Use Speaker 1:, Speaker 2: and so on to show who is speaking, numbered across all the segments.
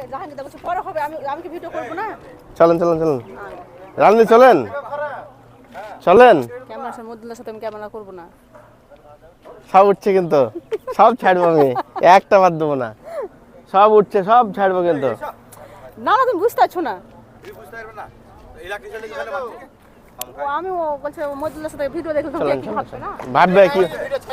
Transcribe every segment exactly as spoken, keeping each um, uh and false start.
Speaker 1: জাহাঙ্গীর দা বলছে পরে হবে, আমি আমি কি ভিডিও করব না?
Speaker 2: চলেন চলেন চলেন রাজনীতি চলেন চলেন।
Speaker 1: ক্যামেরার সামনে মদুল্লার সাথে আমি ক্যামেরা করব না।
Speaker 2: সব উঠছে কিন্তু সব ছাড়বো আমি, একটা বাদ দেবো না। সব উঠছে সব ছাড়বো কিন্তু।
Speaker 1: না না তুমি বুঝতে পারছো না। ও আমি ও বলছে মদুল্লার সাথে ভিডিও দেখলে তুমি কি ভাববে না?
Speaker 2: ভাববে কি?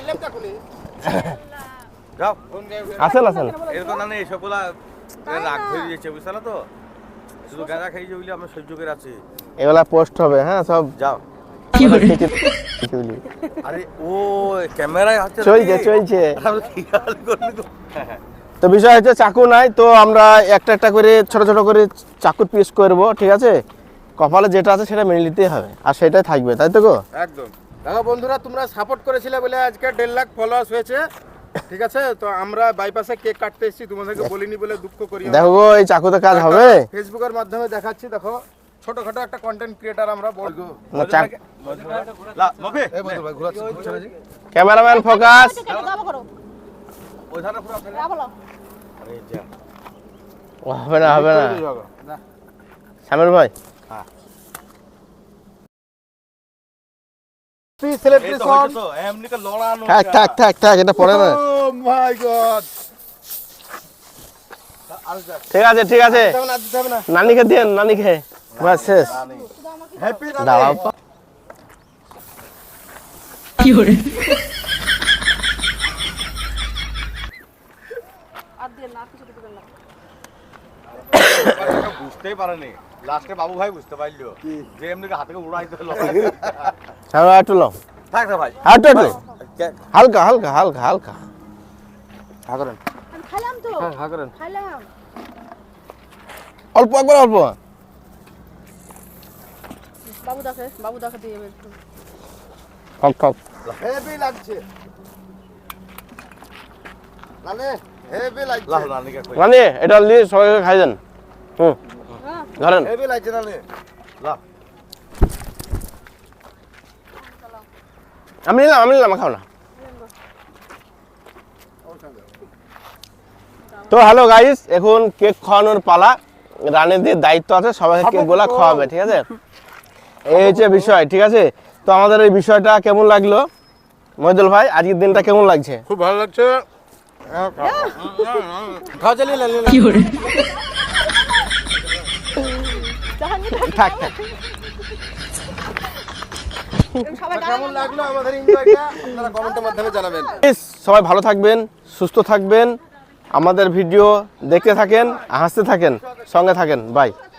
Speaker 3: যাও
Speaker 2: আসেন আসেন।
Speaker 3: এরকম না নেই সবগুলা রাগ হয়ে যাচ্ছে বুঝছ না তো, শুধু গাঁজা খাই যে বলি আমরা সহ্য করে আছি।
Speaker 2: এগুলা পোস্ট হবে হ্যাঁ সব।
Speaker 3: যাও আরে ও ক্যামেরায় আছে
Speaker 2: চলছে চলছে।
Speaker 3: আমরা খেয়াল করিনি তো।
Speaker 2: তো বিষয় হচ্ছে চাকু নাই, তো আমরা একটা একটা করে ছোট ছোট করে চাকুর পিস করব, ঠিক আছে? কপালে যেটা আছে সেটা মেনে নিতেই হবে, আর সেটাই থাকবে, তাই তো গো?
Speaker 4: একদম। দেখো বন্ধুরা, তোমরা সাপোর্ট করেছিলে বলে আজকে দেড় লাখ ফলোয়ার্স হয়েছে, ঠিক আছে? তো আমরা বাইপাসে কেক কাটতে এসেছি, তোমাদেরকে বলিনি বলে দুঃখ করি।
Speaker 2: দেখো গো এই চাকুতে কাজ হবে।
Speaker 4: ফেসবুকের মাধ্যমে দেখাচ্ছি, দেখো ছোটখাটো একটা কন্টেন্ট ক্রিয়েটার আমরা বলবো।
Speaker 2: না, চাক-
Speaker 3: লা মফি
Speaker 4: এই বন্ধু ভাই ঘোরাচ্ছি, ঘুরছে না জি?
Speaker 2: Cameraman focus.
Speaker 1: যাবো করো।
Speaker 3: ওইখানে পুরো আপনার
Speaker 1: যা বলো।
Speaker 3: আরে যা
Speaker 2: ও, হবে না হবে না
Speaker 4: না।
Speaker 2: সামির ভাই।
Speaker 4: প্লিজ
Speaker 3: এই তো
Speaker 4: সেলিব্রেশন।
Speaker 3: হয়েছে তো এমনি কা লড়ানো
Speaker 2: থাক থাক থাক থাক, এটা পড়ে না।
Speaker 4: Oh my God.
Speaker 2: ঠিক আছে ঠিক আছে,
Speaker 4: যাবে না, দিতে হবে না।
Speaker 2: নানিকে দেন নানিকে, বাস শেষ।
Speaker 4: হ্যাপি
Speaker 2: দাঁড়াও
Speaker 1: আর দিয়ে না কিছু দিবেন না।
Speaker 3: বুঝতেই পারেনি, লাস্টে বাবু ভাই বুঝতে পারলো যে এমনি কা হাতে উড়াইতে হলো।
Speaker 2: হ্যাঁ একটু লো,
Speaker 3: থাক না ভাই
Speaker 2: একটু একটু হালকা হালকা হালকা হালকা।
Speaker 4: হ্যাঁ করেন,
Speaker 1: আমি খাইলাম তো।
Speaker 4: হ্যাঁ হ্যাঁ করেন।
Speaker 1: খাইলাম।
Speaker 2: অল্প একবার অল্প।
Speaker 1: বাবু দাকে বাবু দাকে দিয়ে একটু।
Speaker 2: ঠক ঠক।
Speaker 4: হেভি লাগছে লালে, হেভি লাগছে,
Speaker 3: লাহ নানিকা কই
Speaker 2: নানি এটা নিয়ে সবাইকে খাই দেন। হুম
Speaker 1: হ্যাঁ
Speaker 2: ধরেন।
Speaker 4: হেভি লাগছে লালে।
Speaker 3: লাহ
Speaker 2: আমি নিলাম আমি নিলাম, খাও না। তো হ্যালো গাইস, এখন কেক খাওয়ানোর পালা। রানীদের দায়িত্ব আছে সবাইকে কেক গুলা খাওয়াবে, ঠিক আছে? এই হচ্ছে বিষয়, ঠিক আছে? তো আমাদের এই বিষয়টা কেমন লাগলো মহিদুল ভাই, আজকের দিনটা কেমন লাগছে?
Speaker 4: খুব ভালো লাগছে। খাওয়া চালিয়ে লালে।
Speaker 1: জাহাঙ্গীর
Speaker 2: থাক থাক।
Speaker 1: সবাই
Speaker 4: কেমন লাগলো আমাদের এনজয়টা আপনারা কমেন্টের মাধ্যমে জানাবেন।
Speaker 2: Guys, সবাই ভালো থাকবেন, সুস্থ থাকবেন, আমাদের ভিডিও দেখতে থাকেন, হাসতে থাকেন, সঙ্গে থাকেন। বাই।